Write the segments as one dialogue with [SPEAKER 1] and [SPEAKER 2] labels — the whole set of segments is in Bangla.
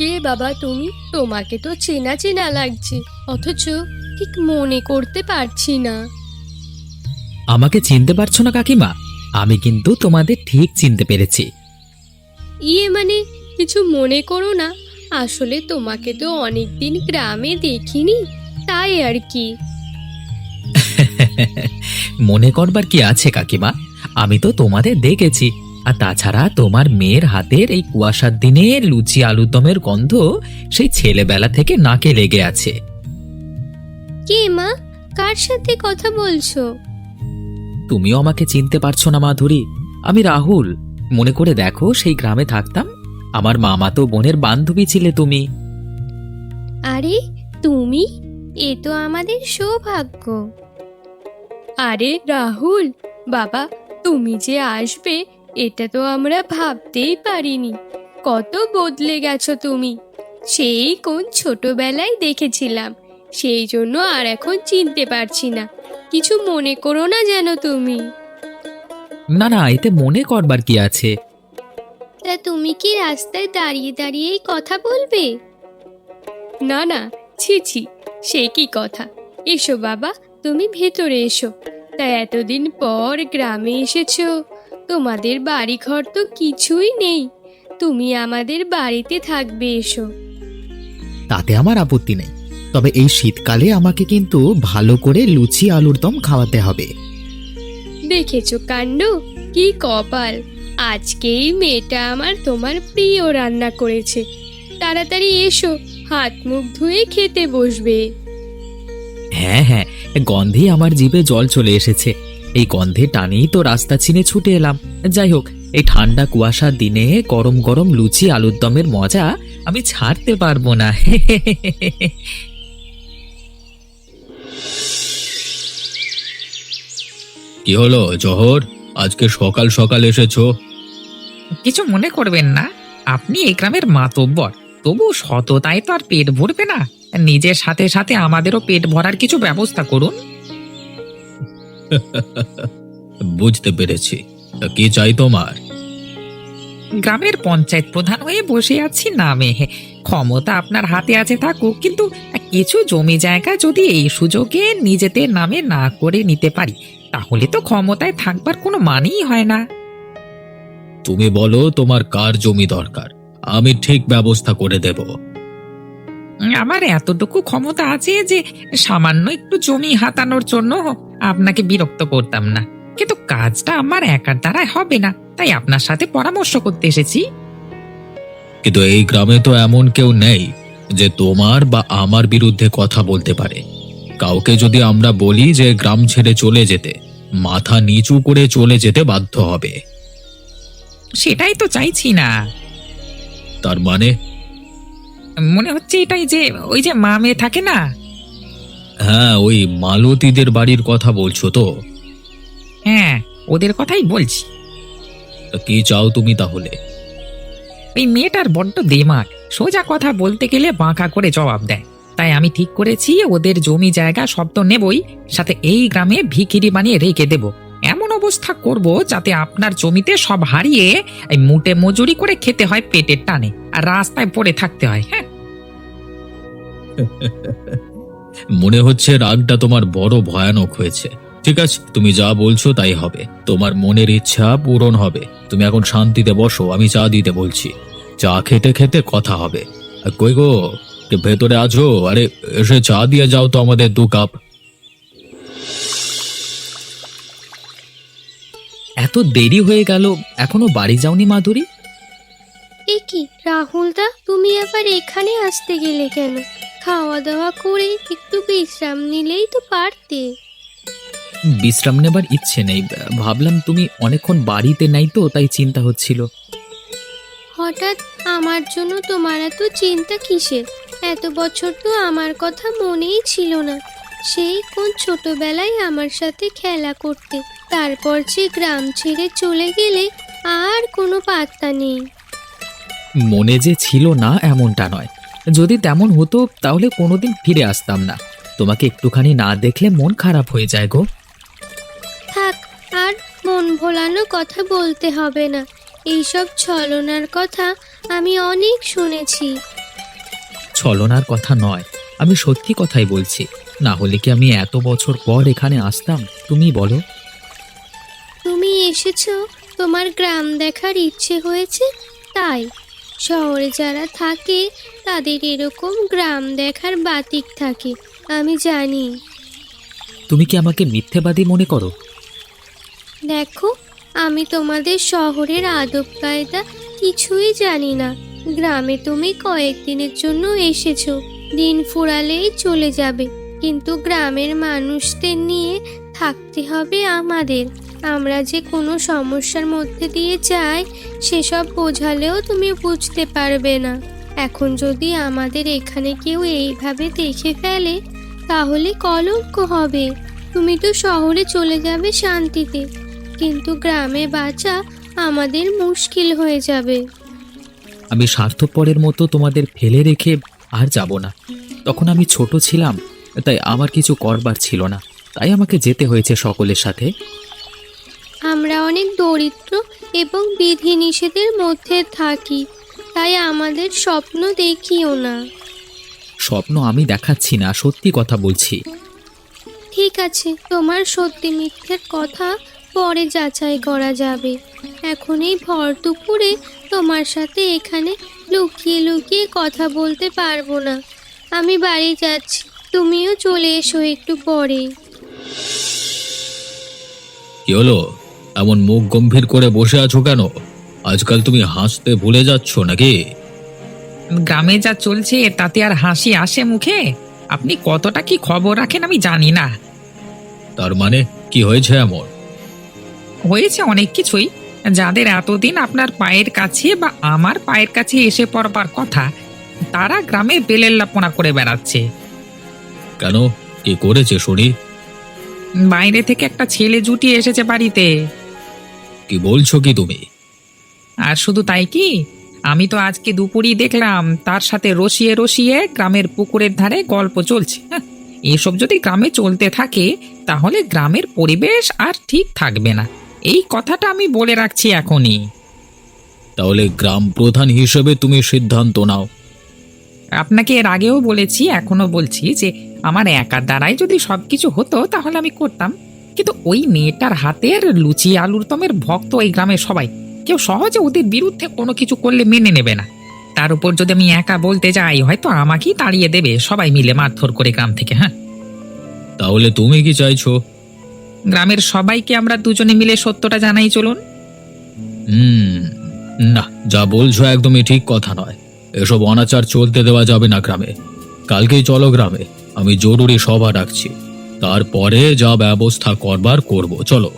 [SPEAKER 1] কে বাবা তুমি? তোমাকে তো চেনা চেনা লাগছে, অথচ ঠিক মনে করতে পারছি না।
[SPEAKER 2] আমাকে চিনতে পারছো না কাকিমা? আমি কিন্তু তোমাদের ঠিক চিনতে পেরেছি।
[SPEAKER 1] মানে কিছু মনে করো না, আসলে তোমাকে তো অনেকদিন গ্রামে দেখিনি, তাই আর কি।
[SPEAKER 2] মনে করবার কি আছে কাকিমা, আমি তো তোমাদের দেখেছি। আর তাছাড়া তোমার মেয়ের হাতের এই কুয়াশার দিনে লুচি আলুর দমের গন্ধ সেই ছেলেবেলা থেকে নাকে লেগে আছে।
[SPEAKER 1] কে মা? কার সাথে কথা বলছো?
[SPEAKER 2] তুমিও আমাকে চিনতে পারছো না মাধুরী? আমি রাহুল। মনে করে দেখো, সেই গ্রামে থাকতাম, আমার মামাতো বোনের বান্ধবী ছিলে তুমি।
[SPEAKER 1] আরে তুমি, এ তো আমাদের সৌভাগ্য। আরে রাহুল বাবা, তুমি যে আসবে এটা তো আমরা ভাবতেই পারিনি। কত বদলে গেছো তুমি, সেই কোন ছোটবেলায় দেখেছিলাম, সেই জন্য আর এখন চিনতে পারছি না। কিছু মনে করো না যেন তুমি।
[SPEAKER 2] না না, এতে মনে করবার কি আছে?
[SPEAKER 1] তা তুমি কি রাস্তায় দাঁড়িয়ে দাঁড়িয়েই কথা বলবে? না না, ছি ছি, সে কি কথা। এসো বাবা, তুমি ভেতরে এসো। তা এতদিন পর গ্রামে এসেছো, তোমাদের বাড়ি ঘর তো কিছুই নেই, তুমি আমাদের বাড়িতে থাকবে, এসো।
[SPEAKER 2] তাতে আমার আপত্তি নেই, তবে এই শীতকালে আমাকে কিন্তু ভালো করে লুচি আলুর দম খাওয়াতে হবে।
[SPEAKER 1] দেখেছো কাণ্ড, কি কপাল, আজকেই মেয়েটা আমার তোমার প্রিয় রান্না করেছে। তাড়াতাড়ি এসো, হাত মুখ ধুয়ে খেতে বসবে।
[SPEAKER 2] হ্যাঁ হ্যাঁ, গন্ধে আমার জিভে জল চলে এসেছে। এই গন্ধে টানেই তো রাস্তা চিনে ছুটে এলাম। যাই হোক, এই ঠান্ডা কুয়াশার দিনে গরম গরম লুচি আলুর দমের মজা আমি ছাড়তে পারবো না। কি হলো জহর, আজকে সকাল সকাল এসেছো?
[SPEAKER 3] কিছু মনে করবেন না, আপনি এই গ্রামের মাতব্বর, তবু সততায় তো আর পেট ভরবে না। নিজের সাথে সাথে আমাদেরও পেট ভরার কিছু ব্যবস্থা করুন।
[SPEAKER 2] বুঝতে পেরেছি, তা কি চাই তোমার?
[SPEAKER 3] গ্রামের পঞ্চায়েত প্রধান হয়ে বসে আছি নামে, ক্ষমতা আপনার হাতে আছে থাকুক, কিন্তু কিছু জমি জায়গা যদি এই সুযোগে নিজেদের নামে না করে নিতে পারি, তাহলে তো ক্ষমতায় থাকবার কোনো মানেই হয় না।
[SPEAKER 2] তুমি বলো তোমার কার জমি দরকার, আমি ঠিক ব্যবস্থা করে দেব।
[SPEAKER 3] আমার এতটুকু ক্ষমতা আছে যে সামান্য একটু জমি হাতানোর জন্য আপনাকে বিরক্ত করতাম না, কিন্তু কাজটা আমার একার দ্বারাই হবে না, তাই আপনার সাথে পরামর্শ করতে এসেছি।
[SPEAKER 2] কিন্তু এই গ্রামে তো এমন কেউ নেই যে তোমার বা আমার বিরুদ্ধে কথা বলতে পারে। কাউকে যদি আমরা বলি যে গ্রাম ছেড়ে চলে যেতে, মাথা নিচু করে চলে যেতে বাধ্য হবে।
[SPEAKER 3] সেটাই তো চাইছি না।
[SPEAKER 2] তার মানে?
[SPEAKER 3] মনে হচ্ছে এটাই যে ওই যে মা মেয়ে থাকে না।
[SPEAKER 2] হ্যাঁ, ওই মালতীদের বাড়ির কথা বলছো তো?
[SPEAKER 3] হ্যাঁ, ওদের কথাই বলছি।
[SPEAKER 2] তা কি চাও তুমি তাহলে?
[SPEAKER 3] ওই মেয়েটার বড্ড দেমাগ, সোজা কথা বলতে গেলে বাঁকা করে জবাব দেয়। তাই আমি ঠিক করেছি ওদের জমি জায়গা সব তো নেবই, সাথে এই গ্রামে ভিখিরি বানিয়ে রেখে দেব। এমন অবস্থা করব যাতে আপনার জমিতে সব হারিয়ে এই মুটে মজুরি করে খেতে হয় পেটের টানে, আর রাস্তায় পড়ে থাকতে হয়। হ্যাঁ,
[SPEAKER 2] মনে হচ্ছে রাগটা তোমার বড় ভয়ানক হয়েছে। ঠিক আছে, তুমি যা বলছো তাই হবে, তোমার মনের ইচ্ছা পূরণ হবে। তুমি এখন শান্তিতে বসো, আমি চা দিতে বলছি। চা খেতে খেতে কথা হবে। কই গো, কে ভেতরে আছো? আরে এসে চা দিয়ে যাও তো আমাদের 2 কাপ। এত দেরি হয়ে গেল, এখনো বাড়ি যাওনি মাধুরী?
[SPEAKER 1] এ কি রাহুল দা, তুমি আবার এখানে আসতে গেলে কেন? খাওয়া দাওয়া করে একটু বিশ্রাম নিলেই তো পারতে।
[SPEAKER 2] বিশ্রাম নেবার ইচ্ছে নেই, ভাবলাম তুমি অনেকক্ষণ বাড়িতে নাই তো, তাই চিন্তা হচ্ছিল।
[SPEAKER 1] হঠাৎ আমার জন্য তোমার এত চিন্তা কিসের? এত বছর তো আমার কথা মনেই ছিল না। সেই কোন ছোটবেলায় আমার সাথে খেলা করতে, তারপর যে গ্রাম ছেড়ে চলে গেলে আর কোনো পাত্তা নেই।
[SPEAKER 2] মনে যে ছিল না এমনটা নয়, যদি তেমন হতো তাহলে কোনোদিন ফিরে আসতাম না। তোমাকে একটুখানি না দেখলে মন খারাপ হয়ে যায় গো।
[SPEAKER 1] থাক, আর মন ভোলানো কথা বলতে হবে না। এইসব ছলনার কথা আমি অনেক শুনেছি।
[SPEAKER 3] ছলনার কথা নয়, আমি সত্যি কথাই বলছি। না হলে কি আমি এত বছর পর এখানে আসতাম, তুমি বলো?
[SPEAKER 1] তুমি এসেছো তোমার গ্রাম দেখার ইচ্ছে হয়েছে তাই। শহরে যারা থাকে তাদের এরকম গ্রাম দেখার বাতিক থাকে, আমি জানি।
[SPEAKER 3] তুমি কি আমাকে মিথ্যেবাদী মনে করো?
[SPEAKER 1] দেখো, আমি তোমাদের শহরের আদব কায়দা কিছুই জানি না। গ্রামে তুমি কয়েকদিনের জন্য এসেছো, দিন ফুরালেই চলে যাবে, কিন্তু গ্রামের মানুষদের নিয়ে থাকতে হবে আমাদের। আমরা যে কোনো সমস্যার মধ্যে দিয়ে যাই সেসব বোঝালেও তুমি বুঝতে পারবে না। এখন যদি আমাদের এখানে কেউ এইভাবে দেখে ফেলে তাহলে কলঙ্ক হবে। তুমি তো শহরে চলে যাবে শান্তিতে, কিন্তু গ্রামে বাঁচা আমাদের মুশকিল হয়ে যাবে।
[SPEAKER 3] আমি স্বার্থপরের মতো তোমাদের ফেলে রেখে আর যাব না। তখন আমি ছোট ছিলাম, তাই আমার কিছু করবার ছিল না, তাই আমাকে যেতে হয়েছে সকলের সাথে।
[SPEAKER 1] আমরা অনেক দরিদ্র এবং বিধিনিষেধের মধ্যে থাকি, তাই আমাদের স্বপ্ন দেখিও না।
[SPEAKER 3] স্বপ্ন আমি দেখাচ্ছি না, সত্যি কথা বলছি।
[SPEAKER 1] ঠিক আছে, তোমার সত্যি মিথ্যের কথা পরে যাচাই করা যাবে। এখন এই ভর দুপুরে তোমার সাথে এখানে লুকিয়ে লুকিয়ে কথা বলতে পারবো না। আমি বাড়ি যাচ্ছি, তুমিও চলে এসো একটু পরে।
[SPEAKER 2] কি হলো? এমন মুখ গম্ভীর করে বসে আছো কেন? আজকাল তুমি হাসতে ভুলে যাচ্ছ নাকি?
[SPEAKER 3] গ্রামে যা চলছে তাতে আর হাসি আসে মুখে? আপনি কতটা কি খবর রাখেন আমি জানি না।
[SPEAKER 2] তার মানে কি হয়েছে এমন?
[SPEAKER 3] হয়েছে অনেক কিছুই। যাদের এতদিন আপনার পায়ের কাছে বা আমার পায়ের কাছে এসে পড়বার কথা, তারা গ্রামে বেলেল্লাপনা করে বেড়াচ্ছে।
[SPEAKER 2] কেন? কি করেছে শুনি?
[SPEAKER 3] বাইরে থেকে একটা ছেলে জুটিয়ে এসেছে বাড়িতে।
[SPEAKER 2] কি বলছো কি তুমি?
[SPEAKER 3] আর শুধু তাই কি, আমি তো আজকে দুপুরই দেখলাম তার সাথে রসিয়ে রসিয়ে গ্রামের পুকুরের ধারে গল্প চলছে। এসব যদি গ্রামে চলতে থাকে তাহলে গ্রামের পরিবেশ আর ঠিক থাকবে না, এই কথাটা আমি বলে রাখছি এখনই।
[SPEAKER 2] তাহলে গ্রাম প্রধান হিসেবে তুমি সিদ্ধান্ত নাও।
[SPEAKER 3] আপনাকে এর আগেও বলেছি, এখনো বলছি যে আমার একার দ্বারাই যদি সবকিছু হতো তাহলে আমি করতাম, কিন্তু ওই মেয়েটার হাতের লুচি আলুর দমের ভক্ত এই গ্রামের সবাই। কেউ সহজে ওদের বিরুদ্ধে কোনো কিছু করলে মেনে নেবে না। তার উপর যদি আমি একা বলতে যাই হয়তো আমাকেই তাড়িয়ে দেবে সবাই মিলে মারধর করে গ্রাম থেকে। হ্যাঁ,
[SPEAKER 2] তাহলে তুমি কি চাইছো?
[SPEAKER 3] গ্রামের সবাইকে আমরা দুজনে মিলে সত্যটা জানাই, চলুন।
[SPEAKER 2] হুম, না, যা বলছো একদমই ঠিক কথা নয়। এসব অনাচার চলতে দেওয়া যাবে না গ্রামে। কালকেই চলো গ্রামে, আমি জরুরি সভা ডাকছি, তারপরে যা ব্যবস্থা করবার করব। চলো।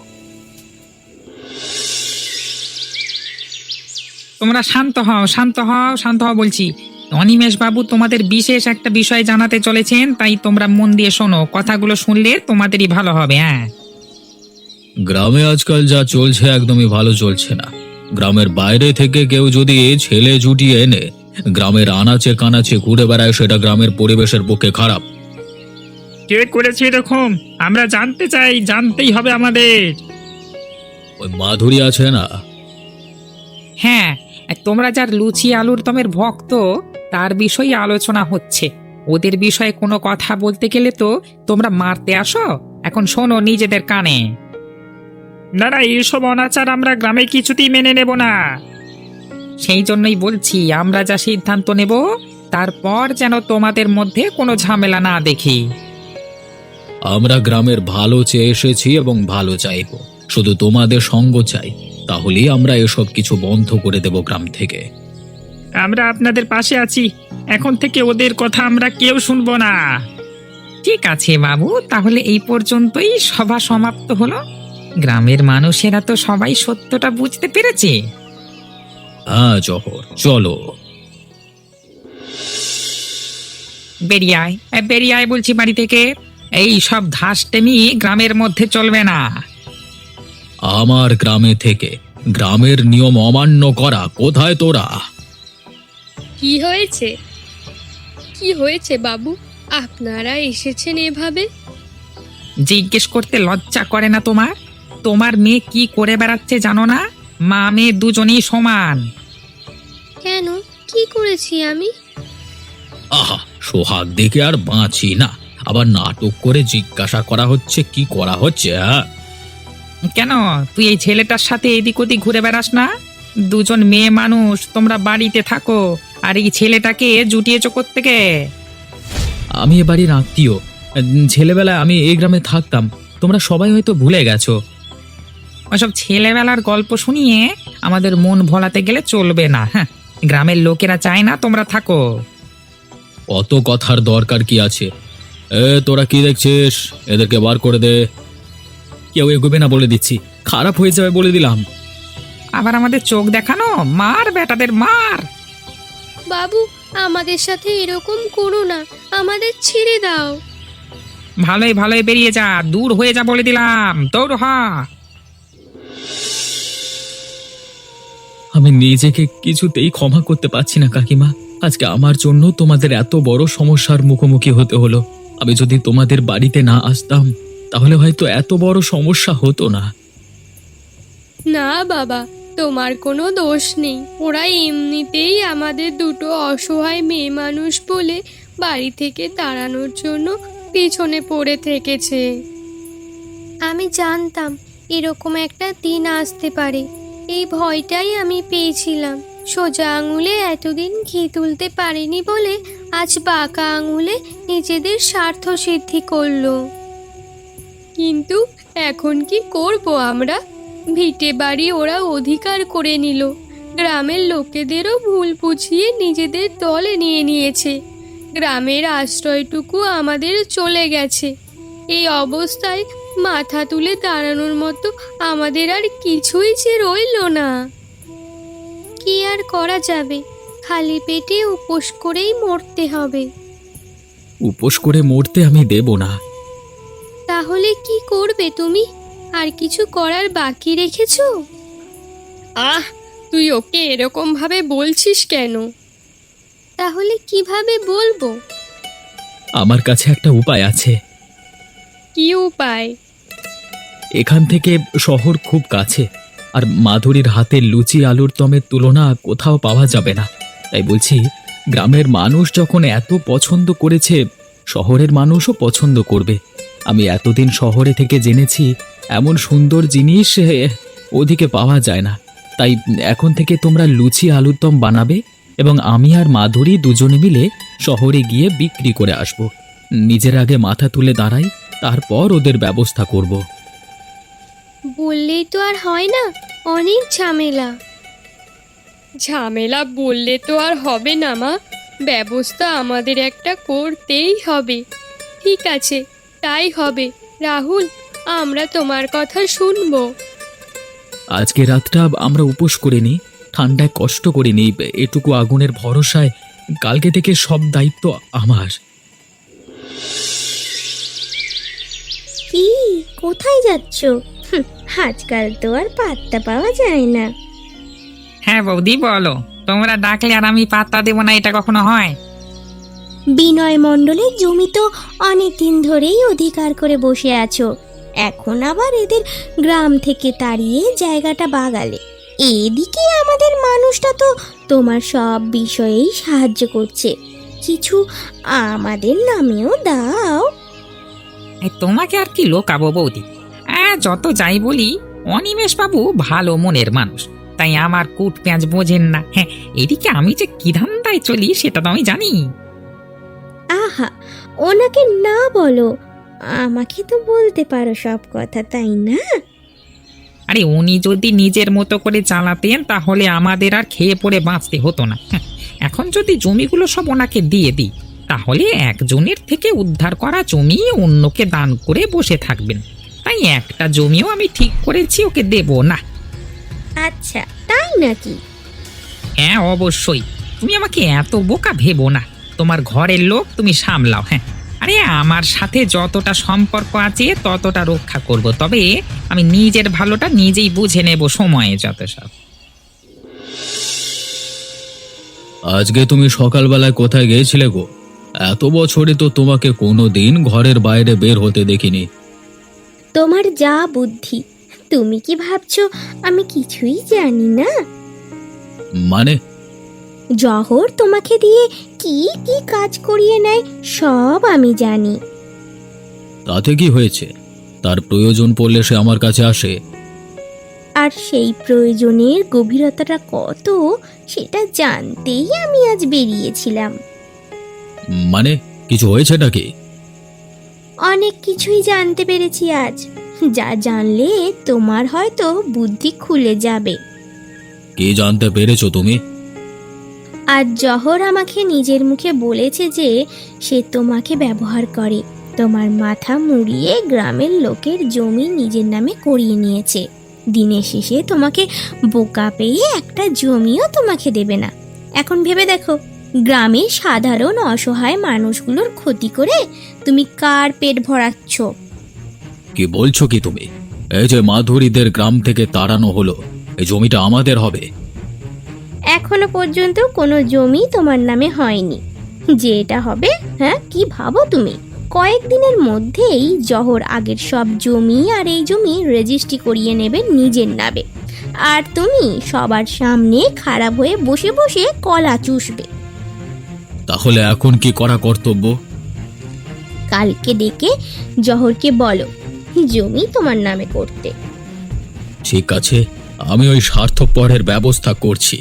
[SPEAKER 3] তোমরা শান্ত হও, শান্ত হও, শান্ত হও বলছি। অনিমেষ বাবু তোমাদের বিশেষ একটা বিষয় জানাতে চলেছেন, তাই তোমরা মন দিয়ে শোনো। কথাগুলো শুনলে তোমাদেরই ভালো হবে। হ্যাঁ,
[SPEAKER 2] গ্রামে আজকাল যা চলছে একদমই ভালো চলছে না। গ্রামের বাইরে থেকে কেউ যদি ছেলে জুটিয়ে এনে গ্রামের আনাচে কানাচে ঘুরে বেড়ায়, সেটা গ্রামের পরিবেশের পক্ষে খারাপ।
[SPEAKER 3] কে করেছে এরকম? আমরা জানতে চাই, জানতেই হবে আমাদের।
[SPEAKER 2] ওই মাধুরী আছে না?
[SPEAKER 3] হ্যাঁ, তোমরা যার লুচি আলুর দমের ভক্ত তার বিষয়ে আলোচনা হচ্ছে। ওদের বিষয়ে কোনো কথা বলতে গেলে তো তোমরা মারতে আসো। এখন শোনো নিজেদের কানে। না না, এইসব অনাচার আমরা গ্রামে কিছুতেই মেনে নেব না। সেই জন্যই বলছি, আমরা যা সিদ্ধান্ত নেব তারপর যেন তোমাদের মধ্যে কোনো ঝামেলা না দেখি।
[SPEAKER 2] আমরা গ্রামের ভালো চেয়ে এসেছি এবং ভালো চাইব, শুধু তোমাদের সঙ্গ চাই। তাহলেই আমরা এসব কিছু বন্ধ করে দেব গ্রাম থেকে।
[SPEAKER 3] আমরা আপনাদের পাশে আছি, এখন থেকে ওদের কথা আমরা কেউ শুনবো না। ঠিক আছে বাবু, তাহলে এই পর্যন্তই সভা সমাপ্ত হলো। গ্রামের মানুষেরা তো সবাই সত্যটা বুঝতে পেরেছে।
[SPEAKER 2] হ্যাঁ জহর, চলো।
[SPEAKER 3] বেরিয়ে আয়, বেরিয়ে আয় বলছি বাড়ি থেকে। এই সব ধাসটেমি গ্রামের মধ্যে চলবে না।
[SPEAKER 2] আমার গ্রামে থেকে গ্রামের নিয়ম অমান্য করা, কোথায় তোরা?
[SPEAKER 1] কি হয়েছে? কি হয়েছে বাবু, আপনারা এসেছেন এভাবে?
[SPEAKER 3] জিজ্ঞেস করতে লজ্জা করে না তোমার? তোমার মেয়ে কি করে বেড়াচ্ছে জানো না? মা মেয়ে দুজনেই সমান।
[SPEAKER 1] কেন, কি করেছি আমি?
[SPEAKER 2] আহা, সোহাগ দেখে আর বাঁচি না। আবার নাটক করে জিজ্ঞাসা করা হচ্ছে কি করা হচ্ছে, হ্যাঁ?
[SPEAKER 3] কেন তুই এই ছেলেটার সাথে এদিক ওদিক ঘুরে বেড়াস না? দুজন মেয়ে মানুষ, তোমরা বাড়িতে থাকো, আর এই ছেলেটাকে জুটিয়েছো কোত্থেকে?
[SPEAKER 2] আমি এ বাড়ির আত্মীয়। ছেলেবেলায় আমি এই গ্রামে থাকতাম, তোমরা সবাই হয়তো ভুলে গেছো।
[SPEAKER 3] ওসব ছেলেবেলার গল্প শুনিয়ে আমাদের মন ভোলাতে গেলে চলবে না। হ্যাঁ, গ্রামের লোকেরা চায় না তোমরা থাকো।
[SPEAKER 2] অত কথার দরকার কি আছে? তোরা কি দেখছিস? এদেরকে বার করে দে। কেউ এগোবে না বলে দিচ্ছি, খারাপ হয়ে যাবে বলে দিলাম।
[SPEAKER 3] আবার আমাদের চোখ দেখানো, মার বেটাদের মার।
[SPEAKER 1] বাবু, আমাদের সাথে এরকম করো না, আমাদের ছেড়ে দাও।
[SPEAKER 3] ভালোই ভালোই বেরিয়ে যা, দূর হয়ে যা বলে দিলাম, দৌড় হ।
[SPEAKER 2] আমি নিজেকে কিছুতেই ক্ষমা করতে পারছি না কাকিমা। আজকে আমার জন্য তোমাদের এত বড় সমস্যার মুখোমুখি হতে হলো। আমি যদি তোমাদের বাড়িতে না আসতাম তাহলে হয়তো এত বড় সমস্যা হতো না।
[SPEAKER 1] না বাবা, তোমার কোনো দোষ নেই। ওরা এমনিতেই আমাদের দুটো অসহায় মেয়ে মানুষ বলে বাড়ি থেকে তাড়ানোর জন্য পিছনে পড়ে থেকেছে। আমি জানতাম এরকম একটা দিন আসতে পারে, এই ভয়টাই আমি পেয়েছিলাম। সোজা আঙুলে এতদিন ঘি তুলতে পারিনি বলে আজ বাঁকা আঙুলে নিজেদের স্বার্থ সিদ্ধি করলো। কিন্তু এখন কি করব আমরা? ভিটে বাড়ি ওরা অধিকার করে নিল, গ্রামের লোকেদেরও ভুল বুঝিয়ে নিজেদের দলে নিয়ে নিয়েছে। গ্রামের আশ্রয়টুকু আমাদের চলে গেছে। এই অবস্থায় মাথা তুলে দাঁড়ানোর মতো আমাদের আর কিছুই যে রইল না। কি আর করা যাবে, খালি পেটে উপোস করেই মরতে হবে।
[SPEAKER 2] উপোস করে মরতে আমি দেব না।
[SPEAKER 1] তাহলে কি করবে তুমি? আর কিছু করার বাকি রেখেছো? আহ, তুই ওকে এরকম ভাবে বলছিস কেন? তাহলে কিভাবে বলবো?
[SPEAKER 2] আমার কাছে একটা উপায় আছে।
[SPEAKER 1] কি উপায়?
[SPEAKER 2] এখান থেকে শহর খুব কাছে, আর মাধুরীর হাতের লুচি আলুর দমের তুলনা কোথাও পাওয়া যাবে না। তাই বলছি, গ্রামের মানুষ যখন এত পছন্দ করেছে, শহরের মানুষও পছন্দ করবে। আমি এতদিন শহরে থেকে জেনেছি এমন সুন্দর জিনিস ওদিকে পাওয়া যায় না। তাই এখন থেকে তোমরা লুচি আলুর দম বানাবে এবং আমি আর মাধুরী দুজনে মিলে শহরে গিয়ে বিক্রি করে আসব। নিজের আগে মাথা তুলে দাঁড়াই, তারপর ওদের ব্যবস্থা করব।
[SPEAKER 1] বললেই তো আর হয় না, অনেক ঝামেলা। ঝামেলা বললে তো আর হবে না মা, ব্যবস্থা আমাদের একটা করতেই হবে। ঠিক আছে, তাই হবে। রাহুল, আমরা তোমার কথা শুনবো।
[SPEAKER 2] আজকে রাতটা আমরা উপোস করে নিই, ঠান্ডায় কষ্ট করে নিই, এটুকু আগুনের ভরসায় কালকে থেকে সব দায়িত্ব আমার।
[SPEAKER 4] কি, কোথায় যাচ্ছ? আজকাল তো আর পাত্তা পাওয়া যায় না।
[SPEAKER 3] হ্যাঁ বৌদি, বলো। তোমরা ডাকলে আর আমি পাত্তা দেবো না, এটা কখনো হয়?
[SPEAKER 4] বিনয় মণ্ডলের জমি তো অনেক দিন ধরেই অধিকার করে বসে আছো, এখন আবার এদের গ্রাম থেকে তাড়িয়ে জায়গাটা বাগালে। এদিকে আমাদের মানুষটা তো তোমার সব বিষয়েই সাহায্য করছে, কিছু আমাদের নামেও দাও।
[SPEAKER 3] এই তোমাকে আর কি লোকাবো বৌদি? যত যাই বলি, অনিমেষ বাবু ভালো মনের মানুষ, তাই আমার কুট পেঁয়াজ বোঝেন না। হ্যাঁ, এদিকে আমি যে কি ধান্দায় চলি সেটা তো আমি জানি।
[SPEAKER 4] আহা, ওনাকে না বলো, আমাকে তো বলতে পারো সব কথা, তাই না?
[SPEAKER 3] আরে উনি যদি নিজের মতো করে চালাতেন তাহলে আমাদের আর খেয়ে পড়ে বাঁচতে হতো না। হ্যাঁ, এখন যদি জমিগুলো সব ওনাকে দিয়ে দিই, তাহলে একজনের থেকে উদ্ধার করা জমি অন্যকে দান করে বসে থাকবেন। তাই একটা জমিও আমি ঠিক করেছি ওকে দেব না।
[SPEAKER 4] আচ্ছা, তাই নাকি?
[SPEAKER 3] হ্যাঁ অবশ্যই, তুমি আমাকে এত বোকা ভেবো না। তোমার ঘরের লোক তুমি সামলাও। হ্যাঁ, আরে আমার সাথে যতটা সম্পর্ক আছে ততটা রক্ষা করব, তবে আমি নিজের ভালোটা নিজেই বুঝে নেব সময়ে যত সব।
[SPEAKER 2] আজকে তুমি সকালবেলায় কোথায় গিয়েছিলে গো? এত বছরে তো তোমাকে কোনোদিন ঘরের বাইরে বের হতে দেখিনি।
[SPEAKER 4] তোমার যা বুদ্ধি, তুমি কি ভাবছো আমি কিছুই জানি না?
[SPEAKER 2] মানে?
[SPEAKER 4] জহর তোমাকে দিয়ে কি কি কাজ করিয়ে নেয় সব আমি জানি।
[SPEAKER 2] তাতে কি হয়েছে? তার প্রয়োজন পড়লে সে আমার কাছে আসে।
[SPEAKER 4] আর সেই প্রয়োজনের গভীরতাটা কত সেটা জানতেই আমি আজ বেরিয়েছিলাম।
[SPEAKER 2] মানে কিছু হয়েছে নাকি?
[SPEAKER 4] অনেক কিছুই জানতে পেরেছি আজ, যা জানলে তোমার হয়তো বুদ্ধি খুলে যাবে।
[SPEAKER 2] কি জানতে পেরেছো তুমি?
[SPEAKER 4] আর জহর আমাকে নিজের মুখে বলেছে যে সে তোমাকে ব্যবহার করে, তোমার মাথা মুড়িয়ে গ্রামের লোকের জমি নিজের নামে করিয়ে নিয়েছে। দিনের শেষে তোমাকে বোকা পেয়ে একটা জমিও তোমাকে দেবে না। এখন ভেবে দেখো, গ্রামের সাধারণ অসহায় মানুষগুলোর ক্ষতি করে তুমি কার পেট ভরাচ্ছ?
[SPEAKER 2] কি বলছো কি তুমি? এই যে মাধুরীদের গ্রাম থেকে তাড়ানো হলো, এই জমিটা আমাদের হবে?
[SPEAKER 4] এখনো পর্যন্ত কোনো জমি তোমার নামে হয়নি, যে এটা হবে। হ্যাঁ, কি ভাবো তুমি? কয়েকদিনের মধ্যেই জহর আগের সব জমি আর এই জমি রেজিস্ট্রি করিয়ে নেবে নিজের নামে, আর তুমি সবার সামনে খারাপ হয়ে বসে বসে কলা চুষবে।
[SPEAKER 2] তাহলে এখন কি করা কর্তব্য?
[SPEAKER 4] কালকে ডেকে জহরকে বলো জমি তোমার নামে করতে।
[SPEAKER 2] ঠিক আছে, আমি ওই স্বার্থপরের ব্যবস্থা করছি।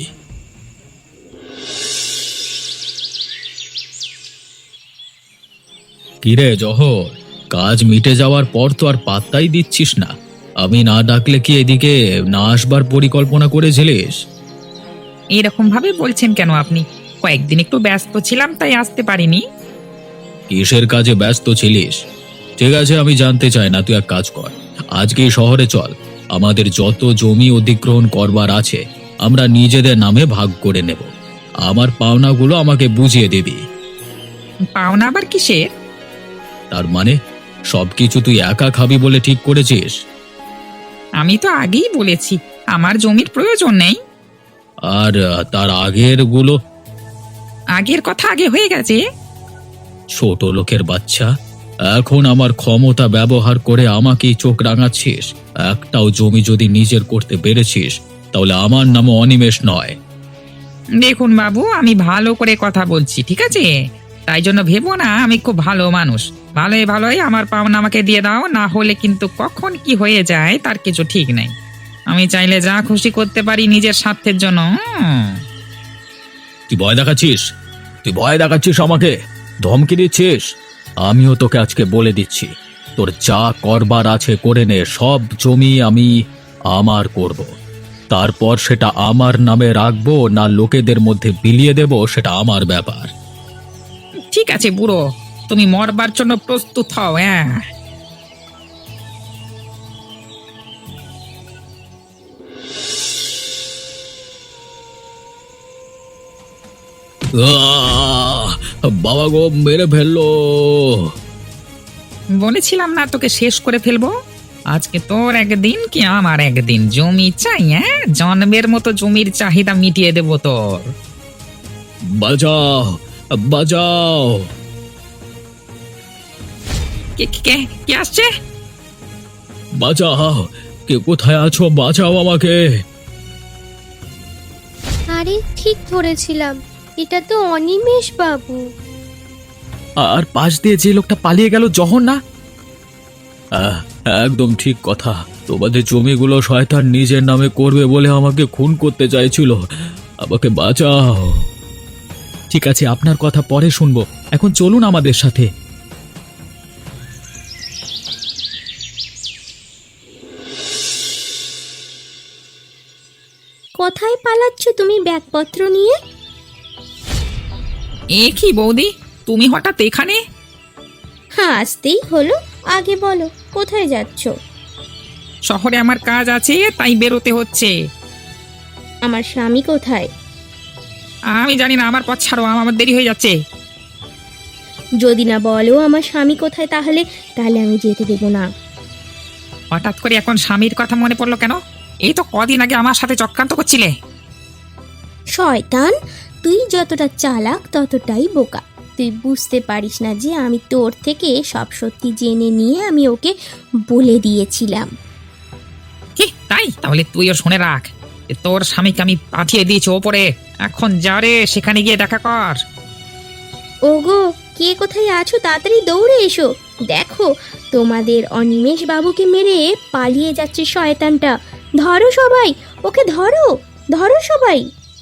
[SPEAKER 2] কিরে জহর, কাজ মিটে যাওয়ার পর তো আর পাত্তাই দিচ্ছিস না। আমি না ডাকলে কি এদিকে না আসবার পরিকল্পনা করেছিলিস?
[SPEAKER 3] এরকম ভাবে বলছেন কেন আপনি? কয়েকদিন একটু ব্যস্ত ছিলাম তাই আসতে পারিনি।
[SPEAKER 2] কিসের কাজে ব্যস্ত ছিলিস? ঠিক আছে, আমি জানতে চাই না, তুই এক কাজ কর, আজকেই শহরে চল। আমাদের যত জমি অধিগ্রহণ করবার আছে আমরা নিজেদের নামে ভাগ করে নেব। আমার পাওনাগুলো আমাকে বুঝিয়ে দিবি।
[SPEAKER 3] পাওনা আবার কিসের?
[SPEAKER 2] তার মানে সবকিছু তুই একা খাবি বলে ঠিক করেছিস?
[SPEAKER 3] আমি তো আগেই বলেছি আমার জমির প্রয়োজন নেই।
[SPEAKER 2] আর তার আগের গুলো?
[SPEAKER 3] আগের কথা আগে হয়ে গেছে।
[SPEAKER 2] ছোট লোকের বাচ্চা, এখন আমার ক্ষমতা ব্যবহার করে আমাকেই চোখ রাঙাচ্ছিস। একটাও জমি যদি নিজের করতে পেরেছিস তাহলে আমার নামও অনিমেষ নয়।
[SPEAKER 3] দেখুন বাবু, আমি ভালো করে কথা বলছি, ঠিক আছে? তাই জন্য ভেবো না আমি খুব ভালো মানুষ। ভালোই ভালোই আমার পাওনা আমাকে দিয়ে দাও, না হলে কিন্তু কখন কি হয়ে যায় তার কিছু ঠিক নেই। আমি চাইলে যা খুশি করতে পারি নিজের স্বার্থের জন্য।
[SPEAKER 2] তুই ভয় দেখাচ্ছিস? তুই ভয় দেখাচ্ছিস আমাকে? ধমকি দিচ্ছিস? আমিও তোকে আজকে বলে দিচ্ছি, তোর যা করবার আছে করে নে। সব জমি আমি আমার করব, তারপর সেটা আমার নামে রাখবো না লোকেদের মধ্যে বিলিয়ে দেব সেটা আমার ব্যাপার।
[SPEAKER 3] ঠিক আছে বুড়ো, তুমি মরবার জন্য প্রস্তুত হও। হ্যাঁ,
[SPEAKER 2] আহ! বাবা গো, মেরে ফেললো।
[SPEAKER 3] বলেছিলাম না তোকে শেষ করে ফেলবো। আজকে তোর একদিন কি আমার একদিন। জমি চাই? হ্যাঁ, জন্মের মতো জমির চাহিদা মিটিয়ে দেবো তোর।
[SPEAKER 2] বাঁচাও, বাঁচাও।
[SPEAKER 3] কে কে কে আসছে?
[SPEAKER 2] বাঁচাও, কে কোথায় আছো? বাঁচাও আমাকে।
[SPEAKER 1] আরে ঠিক ধরেছিলাম, এটা তো অনিমেষ বাবু।
[SPEAKER 2] আর পাশ দিয়ে যে লোকটা পালিয়ে গেল, জহর না? একদম ঠিক কথা। তোমাদের জমিগুলো শয়তান নিজের নামে করবে বলে আমাকে খুন করতে চাইছিল। আমাকে বাঁচাও। ঠিক আছে, আপনার কথা পরে শুনবো, এখন চলুন আমাদের সাথে।
[SPEAKER 4] কোথায় পালাচ্ছ তুমি ব্যাগপত্র নিয়ে?
[SPEAKER 3] এ কি বৌদি, তুমি হঠাৎ এখানে?
[SPEAKER 4] হ্যাঁ, আসতেই হলো। আগে বলো কোথায় যাচ্ছ?
[SPEAKER 3] শহরে আমার কাজ আছে তাই বেরোতে হচ্ছে।
[SPEAKER 4] আমার স্বামী কোথায়?
[SPEAKER 3] আমি জানি না, আমার পথ ছাড়ো, আমার দেরি হয়ে যাচ্ছে।
[SPEAKER 4] যদি না বলো আমার স্বামী কোথায়, তাহলে তাহলে আমি যেতে দেবো না।
[SPEAKER 3] হঠাৎ করে এখন স্বামীর কথা মনে পড়লো কেন? এই তো কদিন আগে আমার সাথে চক্রান্ত করছিলে।
[SPEAKER 4] শয়তান, তুই যতটা চালাক ততটাই বোকা। তুই বুঝতে পারিস না যে আমি তোর থেকে সব সত্যি জেনে নিয়ে আমি ওকে বলে দিয়েছিলাম।
[SPEAKER 3] কি তাই? তাহলে তুইও শুনে রাখ, তোর স্বামীকে আমি পাঠিয়ে দিয়েছি ওপরে, এখন যা রে সেখানে গিয়ে দেখা কর।
[SPEAKER 4] ওগো, কে কোথায় আছো? তাড়াতাড়ি দৌড়ে এসো। দেখো, তোমাদের অনিমেষ বাবুকে মেরে পালিয়ে যাচ্ছে শয়তানটা। ধরো সবাই, ওকে ধরো, ধরো সবাই।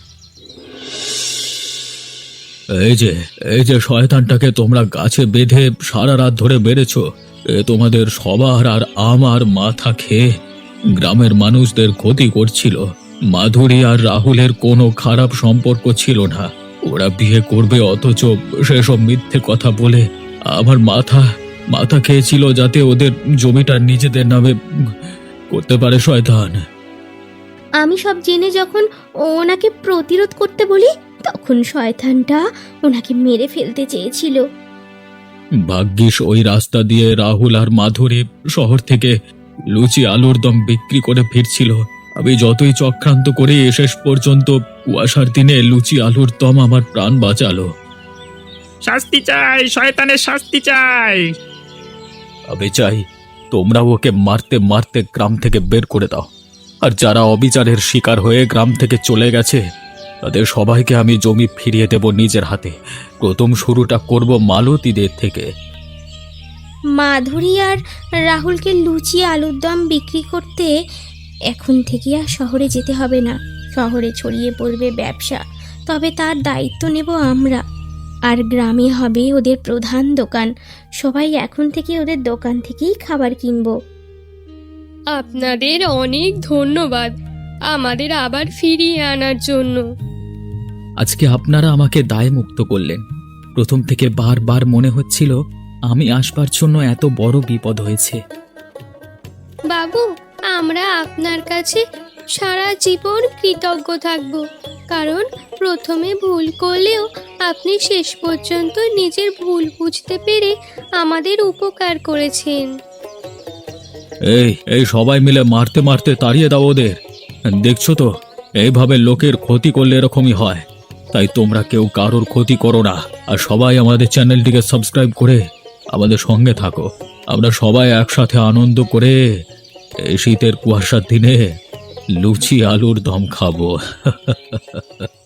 [SPEAKER 2] এই যে শয়তানটাকে তোমরা গাছে বেঁধে সারা রাত ধরে বেড়েছো, এ তোমাদের সবার আর আমার মাথা খেয়ে গ্রামের মানুষদের ক্ষতি করছিল। মাধুরী আর রাহুলের কোনো খারাপ সম্পর্ক ছিল না, ওরা বিয়ে করবে, অথচ সেসব মিথ্যে কথা বলে আমার মাথা খেয়েছিল যাতে ওদের জমিটা নিজেদের নামে করতে পারে শয়তান।
[SPEAKER 4] আমি সব জেনে যখন ওনাকে প্রতিরোধ করতে বলি, তখন শয়তানটা ওনাকে মেরে ফেলতে চেয়েছিল।
[SPEAKER 2] ভাগ্যিস ওই রাস্তা দিয়ে রাহুল আর মাধুরী শহর থেকে লুচি আলুর দম বিক্রি করে ফিরছিল। আমি যতই চক্রান্ত করে শেষ পর্যন্ত কুয়াশার দিনে লুচি আলুর দম আমার প্রাণ বাঁচালো।
[SPEAKER 3] শাস্তি চাই, শয়তানের শাস্তি চাই।
[SPEAKER 2] আমি চাই তোমরা ওকে মারতে মারতে গ্রাম থেকে বের করে দাও, আর যারা অবিচারের শিকার হয়ে গ্রাম থেকে চলে গেছে তাদের সবাইকে আমি জমি ফিরিয়ে দেব নিজের হাতে। প্রথম শুরুটা করব মালতীদের থেকে।
[SPEAKER 4] মাধুরী আর রাহুলকে লুচি আলুর দম বিক্রি করতে এখন থেকে আর শহরে যেতে হবে না। শহরে ছড়িয়ে পড়বে ব্যবসা, তবে তার দায়িত্ব নেব আমরা। আর গ্রামে হবে ওদের প্রধান দোকান। সবাই এখন থেকে ওদের দোকান থেকেই খাবার কিনবো।
[SPEAKER 1] আপনাদের অনেক ধন্যবাদ আমাদের আবার ফিরিয়ে আনার জন্য।
[SPEAKER 2] আজকে আপনারা আমাকে দায়মুক্ত করলেন। প্রথম থেকে বারবার মনে হচ্ছিল আমি আসবার জন্য এত বড় বিপদ হয়েছে।
[SPEAKER 1] বাবু, আমরা আপনার কাছে সারা জীবন কৃতজ্ঞ থাকব, কারণ প্রথমে ভুল করলেও আপনি শেষ পর্যন্ত নিজের ভুল বুঝতে পেরে আমাদের উপকার করেছেন।
[SPEAKER 2] এই সবাই মিলে মারতে মারতে তাড়িয়ে দাও ওদের। দেখছো তো, এইভাবে লোকের ক্ষতি করলে এরকমই হয়। তাই তোমরা কেউ কারোর ক্ষতি করো না, আর সবাই আমাদের চ্যানেলটিকে সাবস্ক্রাইব করে আমাদের সঙ্গে থাকো। আমরা সবাই একসাথে আনন্দ করে এই শীতের কুয়াশার দিনে লুচি আলুর দম খাবো।